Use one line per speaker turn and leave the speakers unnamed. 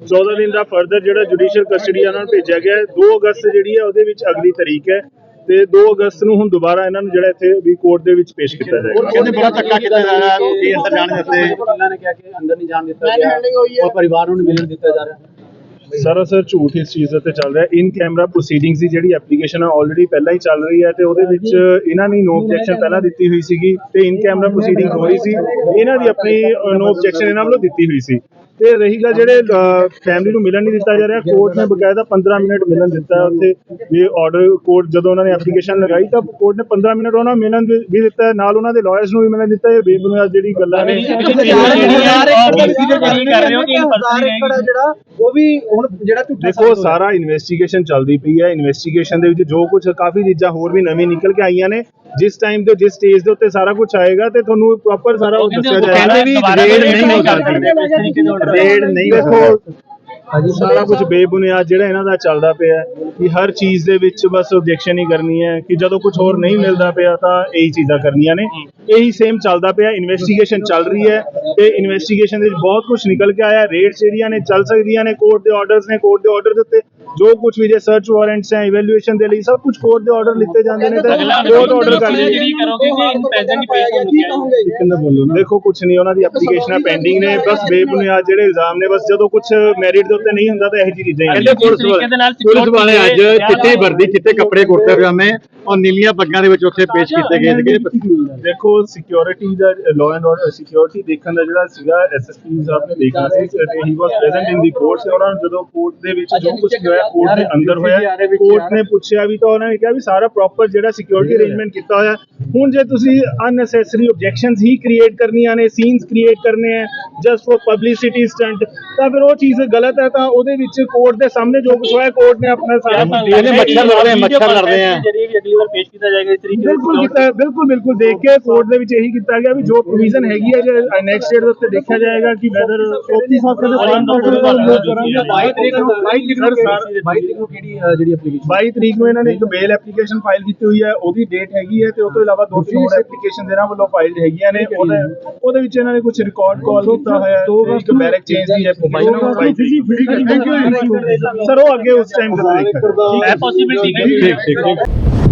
14 दिन का फर्दर जो जुडिशियल कस्टडी उन्होंने भेजा गया है। 2 अगस्त जी है वो अगली तारीख है ਤੇ 2 ਅਗਸਤ ਨੂੰ ਹੁਣ ਦੁਬਾਰਾ ਇਹਨਾਂ ਨੂੰ ਜਿਹੜਾ ਇੱਥੇ ਵੀ ਕੋਰਟ ਦੇ ਵਿੱਚ ਪੇਸ਼ ਕੀਤਾ ਜਾਏਗਾ।
ਕਹਿੰਦੇ ਬੜਾ ਧੱਕਾ ਕੀਤਾ ਜਾ ਰਿਹਾ ਹੈ ਕਿ ਅੰਦਰ ਜਾਣ ਦਿੱਤੇ, ਉਹਨਾਂ ਨੇ ਕਿਹਾ ਕਿ ਅੰਦਰ ਨਹੀਂ ਜਾਣ ਦਿੱਤਾ ਗਿਆ ਔਰ ਪਰਿਵਾਰ ਨੂੰ ਮਿਲਣ ਦਿੱਤਾ ਜਾ ਰਿਹਾ।
ਸਰਾਸਰ ਝੂਠ ਇਸ ਚੀਜ਼ ਤੇ ਚੱਲ ਰਿਹਾ। ਇਨ ਕੈਮਰਾ ਪ੍ਰੋਸੀਡਿੰਗਸ ਦੀ ਜਿਹੜੀ ਐਪਲੀਕੇਸ਼ਨ ਹੈ ਆਲਰੇਡੀ ਪਹਿਲਾਂ ਹੀ ਚੱਲ ਰਹੀ ਹੈ ਤੇ ਉਹਦੇ ਵਿੱਚ ਇਹਨਾਂ ਨੇ ਨੋ ਆਬਜੈਕਸ਼ਨ ਪਹਿਲਾਂ ਦਿੱਤੀ ਹੋਈ ਸੀਗੀ ਤੇ ਇਨ ਕੈਮਰਾ ਪ੍ਰੋਸੀਡਿੰਗ ਹੋ ਰਹੀ ਸੀ। ਇਹਨਾਂ ਦੀ ਆਪਣੀ ਨੋ ਆਬਜੈਕਸ਼ਨ ਇਹਨਾਂ ਵੱਲੋਂ ਦਿੱਤੀ ਹੋਈ ਸੀ। ਤੇ ਰਹੀ ਗੱਲ ਜਿਹੜੇ ਫੈਮਿਲੀ ਨੂੰ ਮਿਲਣ ਨਹੀਂ ਦਿੱਤਾ ਜਾ ਰਿਹਾ, ਕੋਰਟ ਨੇ ਬਕਾਇਦਾ 15 ਮਿੰਟ ਮਿਲਣ ਦਿੱਤਾ ਹੈ ਉੱਥੇ ਵੀ ਆਰਡਰ ਕੋਰਟ ਜਦੋਂ ਉਹਨਾਂ ਨੇ ਐਪਲੀਕੇਸ਼ਨ ਲਗਾਈ ਤਾਂ ਕੋਰਟ ਨੇ 15 ਮਿੰਟ ਉਹਨਾਂ ਨੂੰ ਮਿਲਣ ਵੀ ਦਿੱਤਾ ਹੈ, ਨਾਲ ਉਹਨਾਂ ਦੇ ਲਾਇਰਸ ਨੂੰ ਵੀ ਮਿਲਣ ਦਿੱਤਾ। ਇਹ ਬੇਬੁਨਿਆਦ ਜਿਹੜੀ ਗੱਲਾਂ ਨੇ ਦੇਖੋ ਸਾਰਾ ਇਨਵੈਸਟੀਗੇਸ਼ਨ ਚੱਲਦੀ ਪਈ ਹੈ। ਇਨਵੈਸਟੀਗੇਸ਼ਨ ਦੇ ਵਿੱਚ ਜੋ ਕੁਝ ਕਾਫੀ ਚੀਜ਼ਾਂ ਹੋਰ ਵੀ ਨਵੀਂ ਨਿਕਲ ਕੇ ਆਈਆਂ ਨੇ। ਜਿਸ ਟਾਈਮ ਤੇ ਜਿਸ ਸਟੇਜ ਦੇ ਉੱਤੇ ਸਾਰਾ ਕੁਝ ਆਏਗਾ ਤੇ ਤੁਹਾਨੂੰ ਪ੍ਰੋਪਰ ਸਾਰਾ ਉਹ ਦੱਸਿਆ ਜਾਏਗਾ। ਰੇਡ ਨਹੀਂ ਦੇਖੋ ਸਾਰਾ ਕੁਝ ਬੇਬੁਨਿਆਦ ਜਿਹੜਾ ਇਹਨਾਂ ਦਾ ਚੱਲਦਾ ਪਿਆ ਕਿ ਹਰ ਚੀਜ਼ ਦੇ ਵਿੱਚ ਬਸ ਆਬਜੈਕਸ਼ਨ ਹੀ ਕਰਨੀ ਹੈ ਕਿ ਜਦੋਂ ਕੁਝ ਹੋਰ ਨਹੀਂ ਮਿਲਦਾ ਪਿਆ ਤਾਂ ਇਹੀ ਚੀਜ਼ਾਂ ਕਰਨੀਆਂ ਨੇ। ਇਹੀ ਸੇਮ ਚੱਲਦਾ ਪਿਆ। ਇਨਵੈਸਟੀਗੇਸ਼ਨ ਚੱਲ ਰਹੀ ਹੈ ਤੇ ਇਨਵੈਸਟੀਗੇਸ਼ਨ ਦੇ ਵਿੱਚ ਬਹੁਤ ਕੁਝ ਨਿਕਲ ਕੇ ਆਇਆ। ਰੇਡਸ ਜਿਹੜੀਆਂ ਨੇ ਚੱਲ ਸਕਦੀਆਂ ਨੇ, ਕੋਰਟ ਦੇ ਆਰਡਰਸ ਨੇ, ਕੋਰਟ ਦੇ ਆਰਡਰ ਦੇ ਉੱਤੇ ਜੋ ਕੁਝ ਵੀ ਜੇ ਸਰਚ ਵਾਰੰਟਸ ਹੈ, ਇਵੈਲੂਏਸ਼ਨ ਦੇ ਲਈ ਸਭ ਕੁਝ ਕੋਰਟ ਦੇ ਆਰਡਰ ਲਿੱਤੇ ਜਾਂਦੇ ਨੇ ਤੇ ਕੋਰਟ ਆਰਡਰ ਕਰਦੇ ਦੇਖੋ ਕੁਝ ਨਹੀਂ, ਉਹਨਾਂ ਦੀ ਐਪਲੀਕੇਸ਼ਨਾਂ ਪੈਂਡਿੰਗ ਨੇ। ਬਸ ਬੇਬੁਨਿਆਦ ਜਿਹੜੇ ਇਲਜ਼ਾਮ ਨੇ, ਬਸ ਜਦੋਂ ਕੁਝ ਮੈਰਿਟ ਦੇ ਉੱਤੇ ਨਹੀਂ ਹੁੰਦਾ ਤਾਂ ਇਹੋ ਜਿਹੀ ਚੀਜ਼ਾਂ ਹੀ
ਪੁਲਿਸ ਵਾਲੇ ਅੱਜ ਚਿੱਟੀ ਵਰਦੀ, ਚਿੱਟੇ ਕੱਪੜੇ, ਕੁੜਤੇ ਪਜਾਮੇ ਔਰ ਨੀਲੀਆਂ ਪੱਗਾਂ ਦੇ ਵਿੱਚ ਉੱਥੇ ਪੇਸ਼ ਕੀਤੇ ਗਏ ਸੀਗੇ।
ਦੇਖੋ ਸਿਕਿਉਰਿਟੀ ਦਾ ਲਾਅ ਐਂਡ ਆਰਡਰ ਸਿਕਿਉਰਿਟੀ ਦੇਖਣ ਦਾ ਜਿਹੜਾ ਸੀਗਾ ਐਸਐਸਪੀ ਸਾਹਿਬ ਨੇ ਦੇਖਣਾ ਸੀ ਤੇ ਹੀ ਵਾਸ ਪ੍ਰੈਜ਼ੈਂਟ ਇਨ ਦੀ ਕੋਰਟ। ਤੇ ਉਹਨਾਂ ਨੂੰ ਜਦੋਂ ਕੋਰਟ ਦੇ ਵਿੱਚ ਜੋ ਕੁਝ ਹੋਇਆ ਕੋਰਟ ਦੇ ਅੰਦਰ ਹੋਇਆ, ਕੋਰਟ ਨੇ ਪੁੱਛਿਆ ਵੀ ਤਾਂ ਉਹਨਾਂ ਨੇ ਕਿਹਾ ਵੀ ਸਾਰਾ ਪ੍ਰੋਪਰ ਜਿਹੜਾ ਸਿਕਿਉਰਿਟੀ ਅਰੇਂਜਮੈਂਟ ਕੀਤਾ ਹੋਇਆ। ਹੁਣ ਜੇ ਤੁਸੀਂ ਅਨਨੈਸੈਸਰੀ ਆਬਜੈਕਸ਼ਨਸ ਹੀ ਕ੍ਰੀਏਟ ਕਰਨੀਆਂ ਨੇ, ਸੀਨਸ ਕ੍ਰੀਏਟ ਕਰਨੇ ਆ ਜਸਟ ਫॉर ਪਬਲਿਸਿਟੀ ਸਟੰਟ, ਤਾਂ ਫਿਰ ਉਹ ਚੀਜ਼ ਗਲਤ ਹੈ। ਤਾਂ ਉਹਦੇ ਵਿੱਚ ਕੋਰਟ ਦੇ ਸਾਹਮਣੇ ਜੋ ਕੁਝ ਹੋਇਆ ਕੋਰਟ ਨੇ ਆਪਣਾ ਸਾਰਾ
ਮੱਛਰ ਲੜਦੇ ਆ
ਪੇਸ਼ ਕੀਤਾ ਜਾਏਗਾ ਇਸ ਤਰੀਕੇ ਬਿਲਕੁਲ ਦੇਖ ਕੇ ਕੋਰਟ ਦੇ ਵਿੱਚ ਇਹੀ ਕੀਤਾ ਗਿਆ ਵੀ ਜੋ ਪ੍ਰੋਵੀਜ਼ਨ ਹੈਗੀ ਹੈ ਜੇ ਨੈਕਸਟ ਡੇਟ ਦੇ ਉੱਤੇ ਦੇਖਿਆ ਜਾਏਗਾ ਕਿ ਵੈਦਰ 22 ਤਰੀਕ ਨੂੰ ਇਹਨਾਂ ਨੇ ਇੱਕ ਬੇਲ ਐਪਲੀਕੇਸ਼ਨ ਫਾਈਲ ਕੀਤੀ ਹੋਈ ਹੈ, ਉਹਦੀ ਡੇਟ ਹੈਗੀ ਹੈ ਤੇ ਉਸ ਤੋਂ ਇਲਾਵਾ 2-3 ਹੋਰ ਐਪਲੀਕੇਸ਼ਨ ਇਹਨਾਂ ਵੱਲੋਂ ਫਾਈਲ ਹੈਗੀਆਂ ਨੇ। ਉਹਦੇ ਵਿੱਚ ਇਹਨਾਂ ਨੇ ਕੁਝ ਰਿਕਾਰਡ ਕਾਲ ਕੀਤਾ ਹੋਇਆ ਹੈ, ਇੱਕ ਬੈਰਕ ਚੇਂਜ ਦੀ ਐਪਲੀਕੇਸ਼ਨ ਸਰ ਉਹ ਅੱਗੇ ਉਸ ਟਾਈਮ ਤੇ ਦੇਖਾਂਗੇ।